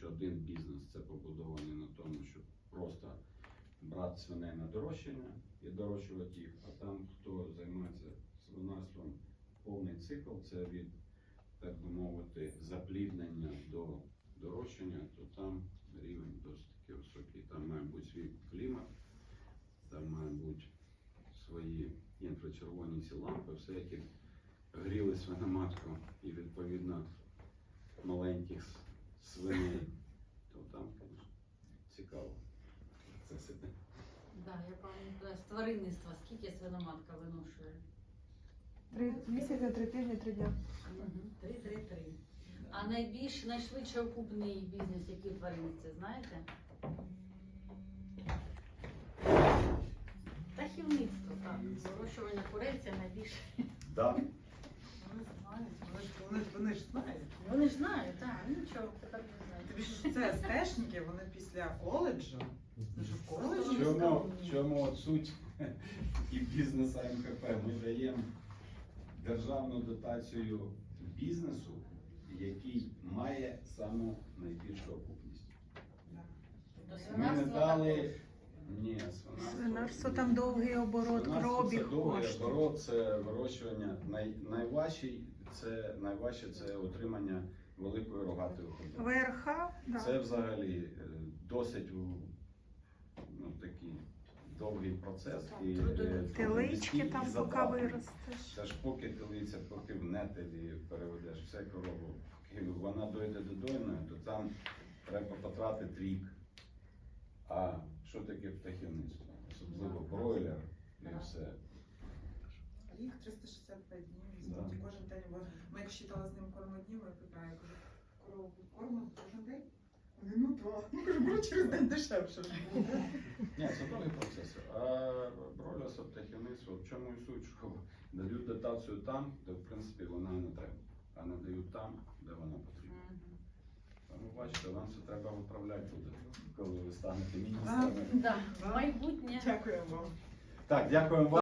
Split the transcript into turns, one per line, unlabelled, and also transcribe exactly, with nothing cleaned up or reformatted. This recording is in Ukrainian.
що один бізнес це побудований на тому, щоб просто брати свиней на дорощення і дорощувати їх, а там, хто займається свинарством, повний цикл, це від, так би мовити, запліднення до дорощення, то там рівень досить таки високий. Там має бути свій клімат, там має бути свої інфрачервоні ці лампи, все, які гріли свиноматку і відповідно маленьких с- свиней, то там, звісно, цікаво. Це себе.
Да, я пам'ятаю, з тваринництва скільки свиноматка виношує?
Три місяці, три тижні, три дня.
Три-три-три. А найбільш, найшвидше окупний бізнес, який в тваринниці, знаєте? Птахівництво, так. Вирощування курей це найбільше.
Да.
Вони знають, вони ж, вони, ж- вони ж знають.
Вони ж знають, так, нічого, тепер не знають.
Тобі ж це стежники, вони після коледжу. Ну що в коледжі?
Вони
Чому,
скромні.
чому от суть і бізнесу ем ха пе? Ми даємо державну дотацію бізнесу, який має саму найбільшу окупність.
Да.
Тобто
Ми не
свинарство
дали.
також.
Ні, свинарство.
Свинарство там довгий оборот,
Свинарство
кробіг
це довгий
коштує.
оборот, це вирощування. Най, найважчий це найважче це утримання великої рогатої худоби.
В ер ха, да.
Це взагалі е, досить у- ну, такий довгий процес. І, е,
Телички
і
там поки
затратний.
виростеш.
Це ж поки телиця, поки в нетелі переведеш все корову, поки вона дойде до дойної, то там треба потратити рік. А що таке птахівництво? Особливо бройлер і все.
Їх триста шістдесят п'ять днів,
Да.
і кожен день. бо Ми як считали з ним кормоднів, я питаю, я кажу, корову кормимо кожен день? Вони, ну так. Ну кажу, беру через день дешевше ж буде.
Ні, це довгий процес. А бройлерство, птахівництво, в чому і суть, що дають дотацію там, де в принципі вона не треба, а не дають там, де вона потрібна.
Мгм.
Тому бачите, вам це треба виправляти буде, коли ви станете міністрами.
Да, майбутнє.
Дякую вам.
Так, дякуємо вам.